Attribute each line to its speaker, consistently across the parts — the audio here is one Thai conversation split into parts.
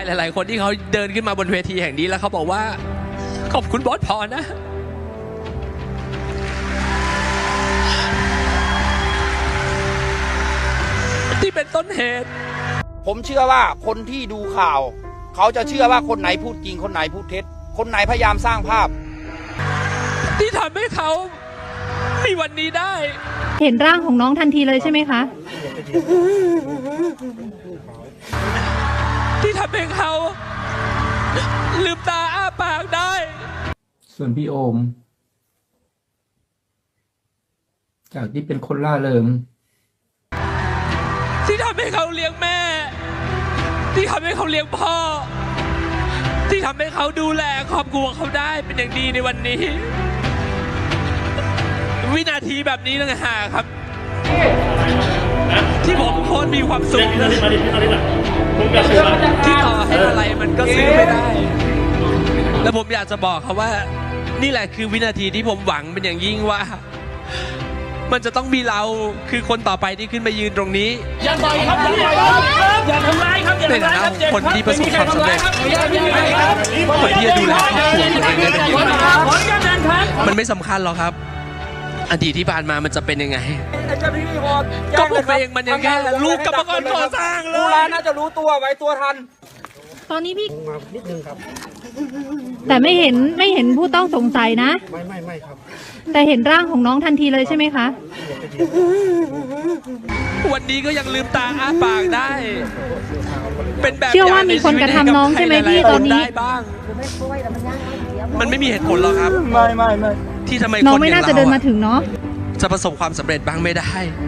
Speaker 1: หลายๆคนที่เขาเดินขึ้นมาบนเวทีแห่งนี้แล้วเขาบอกว่าขอบคุณบอสพรนะที่เป็นต้นเหตุ
Speaker 2: ผมเชื่อว่าคนที่ดูข่าวเขาจะเชื่อว่าคนไหนพูดจริงคนไหนพูดเท็จคนไหนพยายามสร้างภาพ
Speaker 1: ที่ทำให้เขามีวันนี้ได้
Speaker 3: เห็นร่างของน้องทันทีเลยใช่ไหมคะ
Speaker 1: ที่ทำให้เขาลืมตาอ้าปากได้
Speaker 4: ส่วนพี่โอมจากที่เป็นคนล่าเริง
Speaker 1: ที่ทำให้เขาเลี้ยงแม่ที่ทำให้เขาเลี้ยงพ่อที่ทำให้เขาดูแลครอบครัวเขาได้เป็นอย่างดีในวันนี้วินาทีแบบนี้ต่างหากครับที่ผมโคตรมีความสุขที่ต่อให้อะไรมันก็ซื้อไม่ได้แล้วผมอยากจะบอกเขาว่านี่แหละคือวินาทีที่ผมหวังเป็นอย่างยิ่งว่ามันจะต้องมีเราคือคนต่อไปที่ขึ้นมายืนตรงนี้
Speaker 5: อย่าต่อยครับอย่าทำร้ายครับ
Speaker 1: ในฐานะคนที่ประสบความสำเร็จคนที่จะดูแลครอบครัวตัวเองได้เป็นอย่างดีมันไม่สำคัญหรอกครับอดีตที่ผ่านมามันจะเป็นยังไงก็ผมเองมันยังแค่ลูกกรรมกรก่อสร้างเลย
Speaker 2: น่าจะรู้ตัวไว้ตัวทัน
Speaker 3: ตอนนี้พี่นิดนึงครับแต่ไม่เห็นผู้ต้องสงสัยนะไม่ครับแต่เห็นร่างของน้องทันทีเลยใช่ไหมคะ
Speaker 1: วันนี้ก็ยังลืมตาอ้าปากได้เป็นแบบ
Speaker 3: เชื่อว่ามีคนกระทำน้องใช่ไหมพี่ตอนนี้
Speaker 1: มันไม่มีเหตุผลหรอกครับ
Speaker 2: ไม่
Speaker 1: ที่ทำไม
Speaker 3: น้องไม่น่าจะเดินมาถึงเนาะ
Speaker 1: จะประสบความสำเร็จบ้างไม่ได้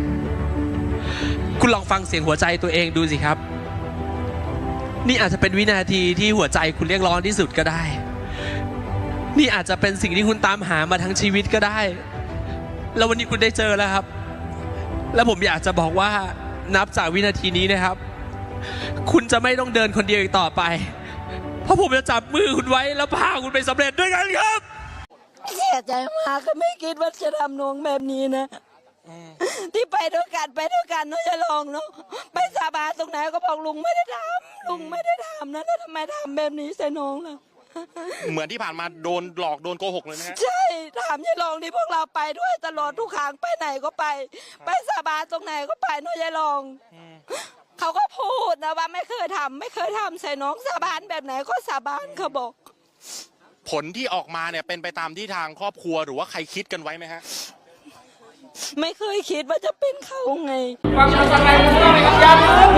Speaker 1: คุณลองฟังเสียงหัวใจตัวเองดูสิครับนี่อาจจะเป็นวินาทีที่หัวใจคุณเรียกร้องที่สุดก็ได้นี่อาจจะเป็นสิ่งที่คุณตามหามาทั้งชีวิตก็ได้แล้ววันนี้คุณได้เจอแล้วครับแล้วผมอยากจะบอกว่านับจากวินาทีนี้นะครับคุณจะไม่ต้องเดินคนเดียวอีกต่อไปเพราะผมจะจับมือคุณไว้แล้วพาคุณไปสำเร็จด้วยกันครับ
Speaker 6: เสียใจมากก็ไม่คิดว่าจะทำน้องแบบนี้นะที่ไปด้วยกันเนาะจะลองเนาะไปสาบานตรงไหนก็บอกลุงไม่ได้ทำนะแล้วทำไมทำแบบนี้ใส่น้องล่ะ
Speaker 2: เหมือนที่ผ่านมาโดนหลอกโดนโกหกเลยนะ
Speaker 6: ใช่ถามยายลองที่พวกเราไปด้วยตลอดทุกครั้งไปไหนก็ไปสาบานตรงไหนก็ไปเนาะยายลองเขาก็พูดนะว่าไม่เคยทำใส่น้องสาบานแบบไหนก็สาบานเขาบอก
Speaker 2: ผลที่ออกมาเนี่ยเป็นไปตามที่ทางครอบครัวหรือว่าใครคิดกันไว้ไหมฮะ
Speaker 6: ไม่เคยคิดว่าจะเป็นเขาไง
Speaker 5: ความชัดเจนของเราในการย้ำ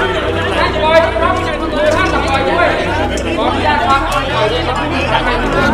Speaker 5: ท่านปล่อยครับท่านปล่อยด้วยขออนุญาตครับปล่อยด้วยครับ